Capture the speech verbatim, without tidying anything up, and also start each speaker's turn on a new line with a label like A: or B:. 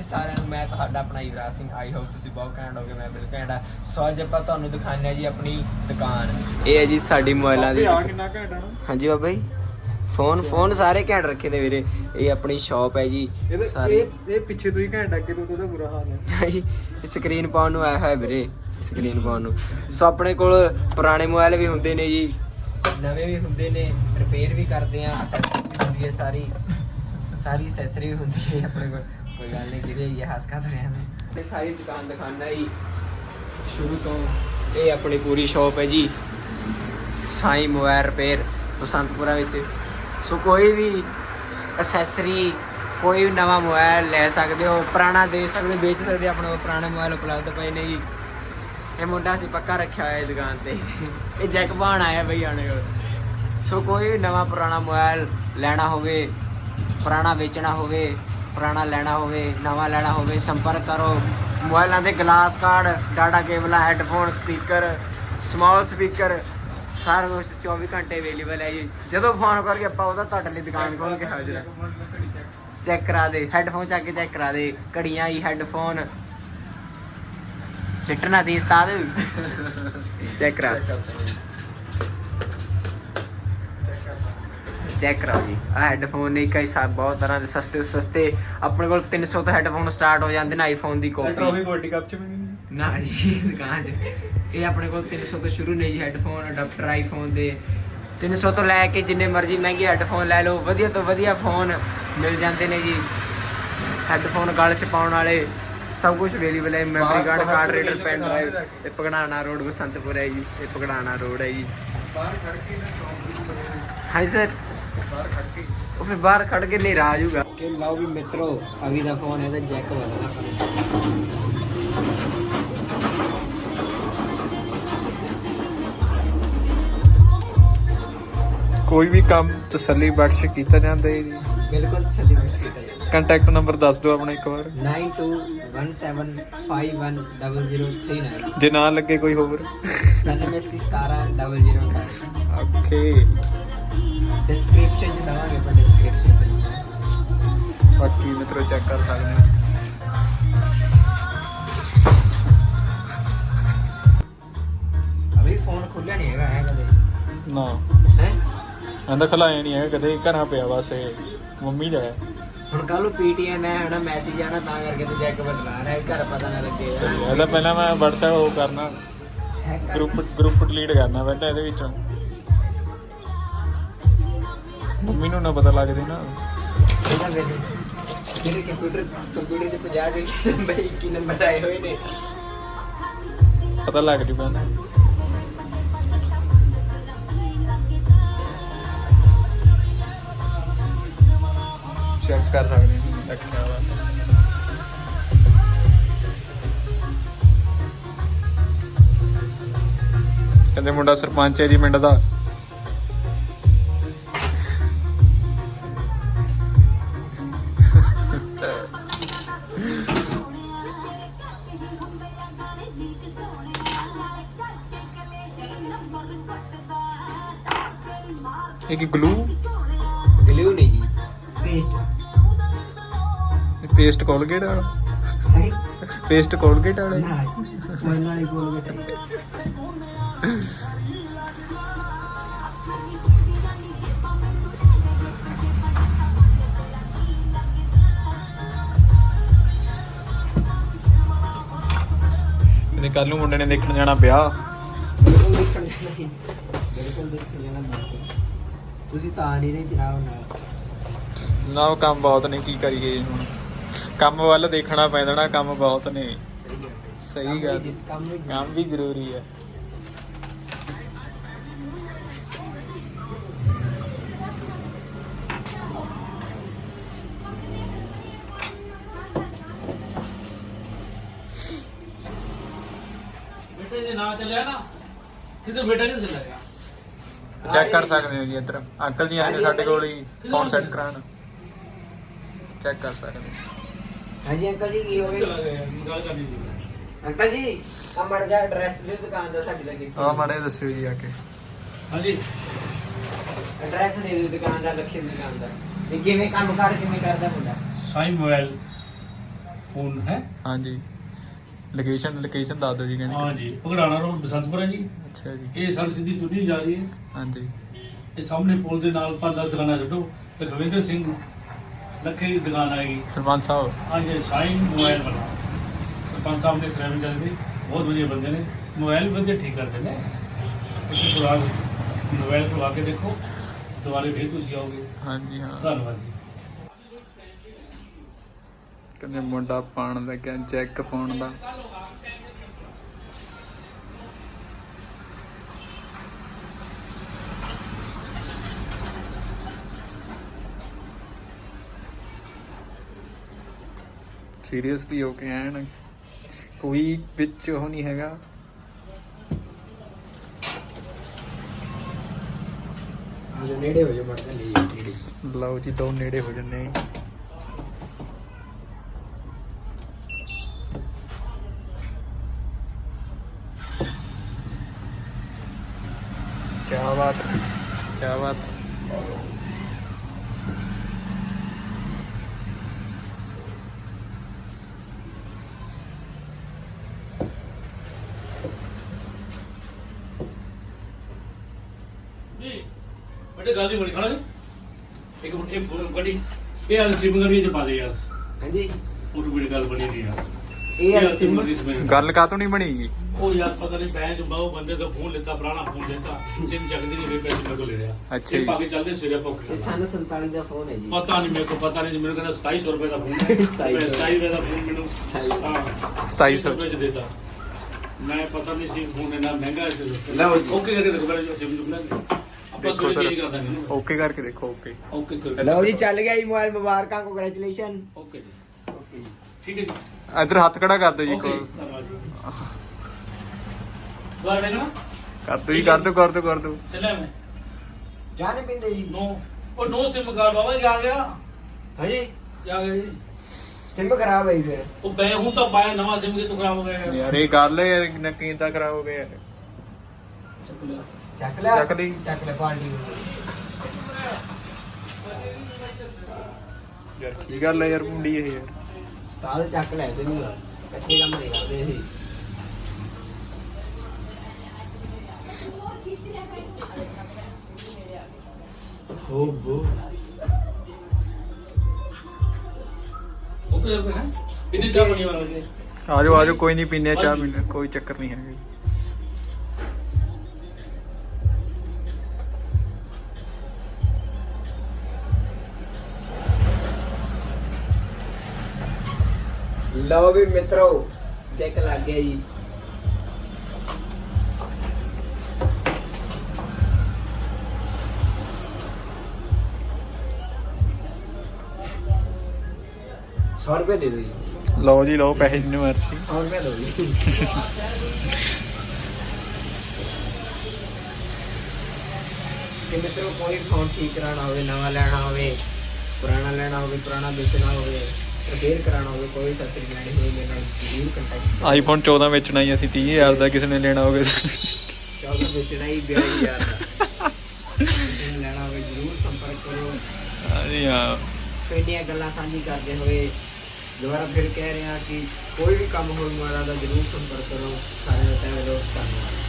A: ਜੀ ਸਾਰਿਆਂ ਨੂੰ, ਮੈਂ ਤੁਹਾਡਾ ਆਪਣਾ ਯੁਵਰਾਜ ਸਿੰਘ। ਆਈ ਹੋਪ ਤੁਸੀਂ ਬਹੁਤ ਘੈਂਟ ਹੋਗੇ, ਮੈਂ ਬਿਲਕੁਲ ਘੈਂਟ ਆ। ਸੋ ਅੱਜ ਆਪਾਂ ਤੁਹਾਨੂੰ ਦਿਖਾਉਂਦੇ ਹਾਂ ਜੀ ਆਪਣੀ ਦੁਕਾਨ। ਇਹ ਹੈ ਜੀ ਸਾਡੀ ਮੋਬਾਈਲਾਂ ਦੀ।
B: ਕਿੰਨਾ ਘੈਂਟ ਆ ਨਾ।
A: ਹਾਂਜੀ ਬਾਬਾ ਜੀ, ਫੋਨ ਫੋਨ ਸਾਰੇ ਘੈਂਟ ਰੱਖੇ ਨੇ ਵੀਰੇ। ਇਹ ਆਪਣੀ ਸ਼ਾਪ ਹੈ ਜੀ ਸਾਰੀ।
B: ਇਹ ਪਿੱਛੇ ਤੋਂ ਹੀ ਘੈਂਟ ਅੱਗੇ ਤੋਂ ਤਾਂ ਬੁਰਾ ਹਾਲ ਹੈ।
A: ਸਕਰੀਨ ਪਾਉਣ ਨੂੰ ਆਇਆ ਹੋਇਆ ਵੀਰੇ, ਸਕਰੀਨ ਪਾਉਣ ਨੂੰ। ਸੋ ਆਪਣੇ ਕੋਲ ਪੁਰਾਣੇ ਮੋਬਾਈਲ ਵੀ ਹੁੰਦੇ ਨੇ ਜੀ, ਨਵੇਂ ਵੀ ਹੁੰਦੇ ਨੇ, ਰਿਪੇਅਰ ਵੀ ਕਰਦੇ ਆ, ਅਸੈਸਰੀ ਵੀ ਹੁੰਦੀ ਹੈ ਸਾਰੀ ਸਾਰੀ ਅਸੈਸਰੀ ਵੀ ਹੁੰਦੀ ਹੈ ਆਪਣੇ ਕੋਲ। ਕੋਈ ਗੱਲ ਨਹੀਂ ਵੀਰੇ, ਇਹ ਹੱਸ ਖਾ ਰਿਹਾ ਮੈਂ। ਇਹ ਸਾਰੀ ਦੁਕਾਨ ਦਿਖਾਉਣਾ ਜੀ ਸ਼ੁਰੂ ਤੋਂ। ਇਹ ਆਪਣੀ ਪੂਰੀ ਸ਼ਾਪ ਹੈ ਜੀ ਸਾਈਂ ਮੋਬਾਈਲ ਰਿਪੇਅਰ ਬਸੰਤਪੁਰਾ ਵਿੱਚ। ਸੋ ਕੋਈ ਵੀ ਅਸੈਸਰੀ, ਕੋਈ ਵੀ ਨਵਾਂ ਮੋਬਾਈਲ ਲੈ ਸਕਦੇ ਹੋ, ਪੁਰਾਣਾ ਦੇ ਸਕਦੇ, ਵੇਚ ਸਕਦੇ। ਆਪਣੇ ਕੋਲ ਪੁਰਾਣੇ ਮੋਬਾਈਲ ਉਪਲਬਧ ਪਏ ਨੇ ਜੀ। ਇਹ ਮੁੰਡਾ ਅਸੀਂ ਪੱਕਾ ਰੱਖਿਆ ਹੋਇਆ ਦੁਕਾਨ ਤੇ। ਇਹ ਜੈਕ ਪਾਉਣ ਆਇਆ ਬਈ ਆਣੇ ਕੋਲ। ਸੋ ਕੋਈ ਵੀ ਨਵਾਂ ਪੁਰਾਣਾ ਮੋਬਾਈਲ ਲੈਣਾ ਹੋਵੇ, ਪੁਰਾਣਾ ਵੇਚਣਾ ਹੋਵੇ, ਪੁਰਾਣਾ ਲੈਣਾ ਹੋਵੇ, ਨਵਾਂ ਲੈਣਾ ਹੋਵੇ, ਸੰਪਰਕ ਕਰੋ। ਮੋਬਾਈਲਾਂ ਦੇ ਗਲਾਸ ਕਾਰਡ, ਡਾਟਾ ਕੇਬਲਾਂ, ਹੈੱਡਫੋਨ, ਸਪੀਕਰ, ਸਮਾਲ ਸਪੀਕਰ, ਸਾਰਾ ਕੁਛ ਚੌਵੀ ਘੰਟੇ ਅਵੇਲੇਬਲ ਹੈ ਜੀ। ਜਦੋਂ ਫੋਨ ਕਰਕੇ ਆਪਾਂ ਉਹਦਾ ਤੁਹਾਡੇ ਲਈ ਦੁਕਾਨ ਖੋਲ ਕੇ ਹਾਜ਼ਰ ਹਾਂ। ਚੈੱਕ ਕਰਾ ਦੇ ਹੈੱਡਫੋਨ, ਚੱਕ ਕੇ ਚੈੱਕ ਕਰਾ ਦੇ। ਘੜੀਆਂ ਹੀ ਹੈੱਡਫੋਨ ਸਿੱਟਣਾ ਦੀ ਉਸਤਾਦ ਚੈੱਕ ਕਰਾ ਚੈੱਕ ਕਰਾਓ ਜੀ। ਆ ਹੈੱਡਫੋਨ ਨੇ ਕਈ ਸਾ ਬਹੁਤ ਤਰ੍ਹਾਂ ਦੇ ਸਸਤੇ ਸਸਤੇ ਆਪਣੇ ਕੋਲ ਤਿੰਨ ਸੌ ਤੋਂ ਹੈੱਡਫੋਨ ਸਟਾਰਟ ਹੋ ਜਾਂਦੇ ਨੇ। ਆਈਫੋਨ ਦੀ ਕਾਪੀ
B: ਟਰੋਫੀ ਗੋਲਡੀ ਕੱਪ ਚ ਵੀ
A: ਨਾ ਜੀ ਦੁਕਾਨ 'ਚ। ਇਹ ਆਪਣੇ ਕੋਲ ਤਿੰਨ ਸੌ ਤੋਂ ਸ਼ੁਰੂ ਨੇ ਜੀ ਹੈੱਡਫੋਨ, ਅਡਾਪਟਰ ਆਈਫੋਨ ਦੇ। ਤਿੰਨ ਸੌ ਤੋਂ ਲੈ ਕੇ ਜਿੰਨੇ ਮਰਜ਼ੀ ਮਹਿੰਗੇ ਹੈੱਡਫੋਨ ਲੈ ਲਓ, ਵਧੀਆ ਤੋਂ ਵਧੀਆ ਫੋਨ ਮਿਲ ਜਾਂਦੇ ਨੇ ਜੀ। ਹੈੱਡਫੋਨ ਗਲ 'ਚ ਪਾਉਣ ਵਾਲੇ ਸਭ ਕੁਝ ਅਵੇਲੇਬਲ ਹੈ। Memory card, card reader, pen drive. ਇਹ ਪਗੜਾਣਾ ਰੋਡ ਬਸੰਤਪੁਰ ਹੈ ਜੀ। ਇਹ ਪਗੜਾਣਾ ਰੋਡ ਹੈ ਜੀ।
B: ਬਾਹਰ ਖੜ ਕੇ ਨਾ
A: ਹਾਂਜੀ ਸਰ,
B: ਬਾਹਰ ਖੜ ਕੇ
A: ਉਹ ਫਿਰ ਬਾਹਰ ਖੜ ਕੇ ਨਹੀਂ ਰਾਜ ਹੋਊਗਾ ਕਿ ਲਾਓ ਵੀ ਮਿੱਤਰੋ। ਅਭੀ ਦਾ ਫੋਨ ਹੈ ਤਾਂ ਜੈਕ ਵਾਲਾ
B: ਕੋਈ ਵੀ ਕੰਮ ਤਸੱਲੀ ਬਖਸ਼ ਕੀਤਾ ਜਾਂਦਾ ਹੈ ਜੀ।
A: ਬਿਲਕੁਲ ਤਸੱਲੀ ਬਖਸ਼ ਕੀਤਾ ਜਾਂਦਾ।
B: ਕੰਟੈਕਟ ਨੰਬਰ ਦੱਸ ਦਿਓ ਆਪਣਾ ਇੱਕ ਵਾਰ।
A: Nine two one seven five one double zero three nine.
B: ਜੇ ਨਾ ਲੱਗੇ ਕੋਈ ਹੋਰ
A: ਸਤਾਨਵੇਂ ਅੱਸੀ ਸਤਾਰਾਂ double zero nine.
B: Okay,
A: description 'ਚ ਦਵਾਂਗੇ ਆਪਾਂ, ਡਿਸਕ੍ਰਿਪਸ਼ਨ 'ਚ।
B: ਬਾਕੀ ਮਿੱਤਰੋ ਚੈੱਕ ਕਰ ਸਕਦੇ ਹੋ।
A: ਅਭੀ ਫੋਨ ਖੁੱਲਿਆ ਨਹੀਂ ਹੈਗਾ ਹੈ ਕਦੇ
B: ਨਾ
A: ਹੈ।
B: ਕਹਿੰਦਾ ਖਲਾਇਆ ਨਹੀਂ ਹੈਗਾ ਕਦੇ, ਘਰਾਂ ਪਿਆ ਬਸ। ਇਹ ਮੰਮੀ ਦਾ ਹੈ।
A: ਹੁਣ ਕੱਲ ਨੂੰ ਪੀਟੀਐਮ ਹੈ ਹਨਾ, ਮੈਸੇਜ ਆਣਾ, ਤਾਂ ਕਰਕੇ ਤੇ ਜੈਕ ਬਦਲਾ ਰਿਹਾ। ਘਰ ਪਤਾ ਨਾ ਲੱਗੇ
B: ਇਹਦਾ ਪਹਿਲਾਂ ਮੈਂ WhatsApp ਉਹ ਕਰਨਾ, ਗਰੁੱਪ ਗਰੁੱਪ ਡਿਲੀਟ ਕਰਨਾ ਪਹਿਲਾਂ ਇਹਦੇ ਵਿੱਚੋਂ। ਮੰਮੀ ਨੂੰ ਨਾ ਪਤਾ ਲੱਗਦੇ ਨਾ।
A: ਇਹਦਾ ਵੇਲੇ ਜਿਹੜੇ ਕੰਪਿਊਟਰ ਕੰਪਿਊਟਰ 'ਚ ਪੰਜਾਹ ਚੋਂ ਨੰਬਰ ਇੱਕੀ ਨੰਬਰ ਆਏ ਹੋਏ ਨੇ।
B: ਪਤਾ ਲੱਗ ਜੂ ਪਹਿਲਾਂ। ਚੈੱਕ ਕਰ ਸਕਦੇ ਹਾਂ ਰੱਖਿਆ ਵਾ। ਕਹਿੰਦੇ ਮੁੰਡਾ ਸਰਪੰਚ ਹੈ ਜੀ ਪਿੰਡ ਦਾ। ਇਹ ਕੀ ਗਲੂ
A: ਗਲੂ ਨਹੀਂ ਜੀ, ਪੇਸਟ।
B: ਪੇਸਟ ਕੋਲਗੇਟ ਵਾਲਾ, ਪੇਸਟ ਕੋਲਗੇਟ ਵਾਲਾ
A: ਨਾ ਮਨ ਵਾਲੀ ਕੋਲਗੇਟ।
B: ਇਹਨੇ ਕੱਲ ਨੂੰ ਮੁੰਡੇ ਨੇ ਦੇਖਣ ਜਾਣਾ ਵਿਆਹ।
A: ਬਿਲਕੁਲ ਦੇਖਣ ਜਾਣਾ ਜੀ, ਬਿਲਕੁਲ ਦੇਖਣ ਜਾਣਾ। ਬਿਲਕੁਲ ਤੁਸੀਂ ਤਾਂ ਆ ਨਹੀਂ ਰਹੇ ਜਨਾਬ ਨਾਲ।
B: ਨਾ ਉਹ ਕੰਮ ਬਹੁਤ ਨੇ, ਕੀ ਕਰੀਏ ਹੁਣ। ਕੰਮ ਵੱਲ ਦੇਖਣਾ ਪੈਂਦਾ ਨਾ, ਕੰਮ ਬਹੁਤ ਨੇ। ਸਹੀ ਗੱਲ, ਕੰਮ ਵੀ ਜ਼ਰੂਰੀ ਹੈ।
C: ਜੇ ਨਾ ਚੱਲਿਆ ਨਾ ਕਿਤੇ ਬੇਟਾ ਕਿੱਥੇ ਚਲਾ ਗਿਆ।
B: ਚੈੱਕ ਕਰ ਸਕਦੇ ਹੋ ਜੀ ਇੱਧਰ ਅੰਕਲ ਜੀ ਆਏ ਨੇ ਸਾਡੇ ਕੋਲ ਹੀ ਫੋਨ ਸੈੱਟ ਕਰਾਉਣ। ਚੈੱਕ ਕਰ ਸਕਦੇ ਹੋ।
A: ਹਾਂਜੀ ਅੰਕਲ ਜੀ, ਕੀ ਹੋ
C: ਚਲਾ
A: ਗਿਆ?
C: ਗਿਆ ਗੱਲ ਕਰਨੀ ਸੀ
A: ਅੰਕਲ ਜੀ ਆ ਮੜ ਜਾ ਐਡਰੈਸ ਦੇ ਦੁਕਾਨ ਦਾ ਸਾਡੀ ਦਾ ਕਿੱਥੇ?
B: ਆ ਮਾੜੇ ਦੱਸਿਓ ਜੀ ਆ ਕੇ।
C: ਹਾਂਜੀ
A: ਐਡਰੈਸ ਦੇ ਦਿਓ ਦੁਕਾਨ ਦਾ, ਲੱਖੇ ਦੀ ਦੁਕਾਨ ਦਾ। ਤੇ ਕਿਵੇਂ ਕੰਮ ਕਰ ਕਿਵੇਂ ਕਰਦਾ ਮੁੰਡਾ?
C: ਸਾਈਂ ਮੋਬਾਈਲ ਫੋਨ ਹੈ
B: ਹਾਂਜੀ ਲੋਕੇਸ਼ਨ ਲੋਕੇਸ਼ਨ ਦੱਸ ਦਿਓ ਜੀ ਕਹਿੰਦੇ
C: ਹਾਂ ਜੀ ਭਗੜਾਣਾ ਰੋਡ ਬਸੰਤਪੁਰ ਹੈ ਜੀ।
B: ਅੱਛਾ ਜੀ
C: ਇਹ ਸੜਕ ਸਿੱਧੀ ਤੁਰੀ ਜਾ ਰਹੀ ਹੈ।
B: ਹਾਂਜੀ
C: ਇਹ ਸਾਹਮਣੇ ਪੁਲ ਦੇ ਨਾਲ ਪੰਜ ਦਸ ਦੁਕਾਨਾਂ ਛੱਡੋ ਤੇ ਖਵਿੰਦਰ ਸਿੰਘ ਲੱਖੇ ਦੀ ਦੁਕਾਨ ਆਏਗੀ।
B: ਸਰਪੰਚ ਸਾਹਿਬ
C: ਹਾਂਜੀ ਸਾਈਨ ਮੋਬਾਈਲ ਵਾਲਾ ਸਰਪੰਚ ਸਾਹਿਬ ਨੇ ਸਰਵਿਸ ਚੱਲਦੀ ਬਹੁਤ ਵਧੀਆ ਬੰਦੇ ਨੇ ਮੋਬਾਈਲ ਵੀ ਵਧੀਆ ਠੀਕ ਕਰਦੇ ਨੇ। ਤੁਸੀਂ ਪੁਰਾਣ ਮੋਬਾਈਲ ਖਵਾ ਕੇ ਦੇਖੋ ਦੁਬਾਰੇ ਫਿਰ ਤੁਸੀਂ ਆਓਗੇ।
B: ਹਾਂਜੀ ਹਾਂ
C: ਧੰਨਵਾਦ ਜੀ।
B: ਕਹਿੰਦੇ ਮੁੰਡਾ ਪਾਣ ਲੱਗਿਆ ਚੈੱਕ ਪਾਉਣ ਦਾ ਸੀਰੀਅਸਲੀ ਹੋ ਕੇ ਐਨ ਕੋਈ ਵਿੱਚ ਉਹ ਨਹੀਂ ਹੈਗਾ।
A: ਜੋ ਨੇੜੇ ਹੋ ਜਾ ਮੜਦਾ ਨਹੀਂ ਨੇੜੇ
B: ਲਓ ਜੀ ਦੋ ਨੇੜੇ ਹੋ ਜੰਨੇ क्या बात है क्या बात है।
C: बड़े गाली बड़ी खड़ा एक मिनट एक बड़ी ये यार सिम करके चपा दे यार।
A: हाँ जी
C: ਉਹ ਬੜੀ ਗੱਲ ਬਣੀ ਨਹੀਂ ਯਾਰ।
A: ਇਹ ਯਾਰ ਸਿਮ
B: ਗੱਲ ਕਾਤੋਂ ਨਹੀਂ ਬਣੀਗੀ
C: ਉਹ ਯਾਰ ਪਤਾ ਨਹੀਂ ਬੈਂਕ ਬਾਹੂ ਬੰਦੇ ਦਾ ਫੋਨ ਲੈਤਾ ਪੁਰਾਣਾ ਫੋਨ ਲੈਤਾ ਸਿਮ ਚੱਕਦੀ ਨਹੀਂ ਵੇ ਪੈਸੇ ਮੇਰੇ ਕੋਲ ਲੈ ਰਿਹਾ।
B: ਅੱਛਾ
C: ਇਹ
B: ਜੀ।
C: ਪਾ ਕੇ ਚੱਲਦੇ ਸਵੇਰੇ ਭੁੱਖ
A: ਇਹ ਸਨ ਸੰਤਾਲੀ ਦਾ ਫੋਨ ਹੈ ਜੀ।
C: ਪਤਾ ਨਹੀਂ ਮੇਰੇ ਕੋ ਪਤਾ ਨਹੀਂ ਮੈਨੂੰ ਕਹਿੰਦਾ ਸਤਾਈ ਸੌ ਰੁਪਏ ਦਾ ਫੋਨ ਹੈ।
A: ਸਤਾਈ ਸੌ
C: ਸਤਾਈ ਰੁਪਏ ਦਾ ਫੋਨ ਮੈਨੂੰ ਹਾਂ
B: ਸਤਾਈ ਸੌ
C: ਰੁਪਏ ਚ ਦੇਤਾ। ਮੈਂ ਪਤਾ ਨਹੀਂ ਸੀ ਫੋਨ ਇੰਨਾ ਮਹਿੰਗਾ ਹੈ।
A: ਲਓ ਜੀ।
C: ਓਕੇ ਕਰਕੇ ਦੇਖੋ ਪਹਿਲੇ ਸਿਮ ਚੁੱਕ ਲਾਂਗੇ ਆਪਾਂ
B: ਦੇਖੋ
C: ਸਵੇਰੇ
B: ਸਰ
C: ਚੇਂਜ ਕਰ ਦਾਂਗੇ ਨਾ।
B: ਓਕੇ ਕਰਕੇ ਦੇਖੋ ਓਕੇ
C: ਓਕੇ ਕਰ
A: ਲਓ ਜੀ ਚੱਲ ਗਿਆ ਜੀ ਮੋਬਾਈਲ ਮੁਬਾਰਕਾਂ ਕੰਗ੍ਰੈਚੁਲੇਸ਼ਨ।
C: ਓਕੇ ਜੀ
A: ਓਕੇ ਜੀ
C: ਠੀਕ ਹੈ ਜੀ
B: ਇਧਰ ਹੱਥ ਖੜਾ ਕਰ ਦਿਓ ਜੀ
C: ਓਕੇ
B: ਕੋਲ
C: ਧੰਨਵਾਦ ਜੀ। ਦੁਬਾਰਾ ਵੇਖਣਾ
B: ਕਰ ਦਿਓ ਜੀ ਕਰ ਦਿਓ ਕਰ ਦਿਓ ਕਰ ਦਿਓ
C: ਚੱਲਿਆ ਮੈਂ
A: ਚਾਹ ਨਹੀਂ ਪੀਂਦੇ ਜੀ?
C: ਨੋ ਉਹ ਨੋ ਸਿਮ ਕਾਰਡ ਬਾਬਾ ਕੀ ਆ ਗਿਆ
A: ਹਾਂ ਜੀ
C: ਆ ਗਿਆ ਜੀ
A: ਸਿਮ ਖਰਾਬ ਹੈ ਜੀ ਫਿਰ।
C: ਉਹ ਬੈ ਹੂੰ ਤਾਂ ਪਾਇਆ ਨਵਾਂ ਸਿਮ ਕਿ ਤੂੰ ਖਰਾਬ ਹੋ ਗਿਆ ਯਾਰ।
B: ਯਾਰ ਇਹ ਗੱਲ ਹੈ ਯਾਰ ਨਕੀਨ ਤਾਂ ਕਰਾਓਗੇ ਯਾਰ
C: ਚੱਕ ਲਿਆ।
A: ਚੱਕ ਲੈ
B: ਚੱਕ ਲਈ।
A: ਚੱਕ ਲੈ ਪਾਰਟੀ
B: ਯਾਰ ਕੀ ਗੱਲ ਹੈ ਯਾਰ ਮੁੰਡੀ ਇਹ ਯਾਰ
A: ਉਸਤਾਦ ਚੱਕ ਲੈ ਸਿਮ ਕੱਚੇ ਕੰਮ ਨਹੀਂ ਕਰਦੇ ਇਹ। ਹੋ ਬੋ
C: ਓਕੇ ਯਾਰ ਫਿਰ ਕਿੰਨੇ ਚਾਹ ਬਣੀ ਵਾਲਾ ਜੀ
B: ਆ ਜਾਓ ਆ ਜਾਓ ਕੋਈ ਨਹੀਂ ਪੀਨੇ ਚਾਹ ਪੀਨੇ ਕੋਈ ਚੱਕਰ ਨਹੀਂ ਹੈਗਾ
A: ਲਓ ਵੀ ਮਿੱਤਰੋ ਚੈੱਕ ਲੱਗ ਗਿਆ ਜੀ। सौ रुपये दे दो जी।
B: ਲਓ ਜੀ ਲਓ ਪੈਸੇ ਜਿੰਨੇ ਮਰਜ਼ੀ
A: सौ रुपये दो जी। ਕਿ ਮਿੱਤਰੋ ਕੋਈ ਫੋਨ ਠੀਕ ਕਰਾਉਣਾ ਹੋਵੇ ਨਵਾਂ ਲੈਣਾ ਹੋਵੇ ਪੁਰਾਣਾ ਲੈਣਾ ਹੋਵੇ ਪੁਰਾਣਾ ਵੇਚਣਾ ਹੋਵੇ ਰਿਪੇਅਰ ਕਰਾਉਣਾ ਹੋਵੇ ਕੋਈ ਸਸਤੀ ਲੈਣੀ ਹੋਵੇ ਮੇਰੇ ਨਾਲ ਜ਼ਰੂਰ ਕੰਟੈਕਟ।
B: ਆਈਫੋਨ ਚੌਦਾਂ ਵੇਚਣਾ ਹੀ ਅਸੀਂ ਤੀਹ ਹਜ਼ਾਰ ਦਾ ਕਿਸੇ ਨੇ ਲੈਣਾ ਹੋਵੇ
A: ਚੌਦਾਂ ਵੇਚਣਾ ਹੀ ਬਿਆਲੀ ਹਜ਼ਾਰ ਦਾ ਕਿਸੇ ਨੇ ਲੈਣਾ ਹੋਵੇ ਜ਼ਰੂਰ ਸੰਪਰਕ ਕਰੋ।
B: ਹਾਂਜੀ ਹਾਂ
A: ਸੋ ਇੰਨੀਆਂ ਗੱਲਾਂ ਸਾਂਝੀ ਕਰਦੇ ਹੋਏ ਦੁਬਾਰਾ ਫਿਰ ਕਹਿ ਰਹੇ ਹਾਂ ਕਿ ਕੋਈ ਵੀ ਕੰਮ ਹੋਵੇ ਮਾਰਾ ਦਾ ਜ਼ਰੂਰ ਸੰਪਰਕ ਕਰੋ। ਸਾਰਿਆਂ ਦਾ ਤਹਿ ਦਿਲੋਂ ਧੰਨਵਾਦ।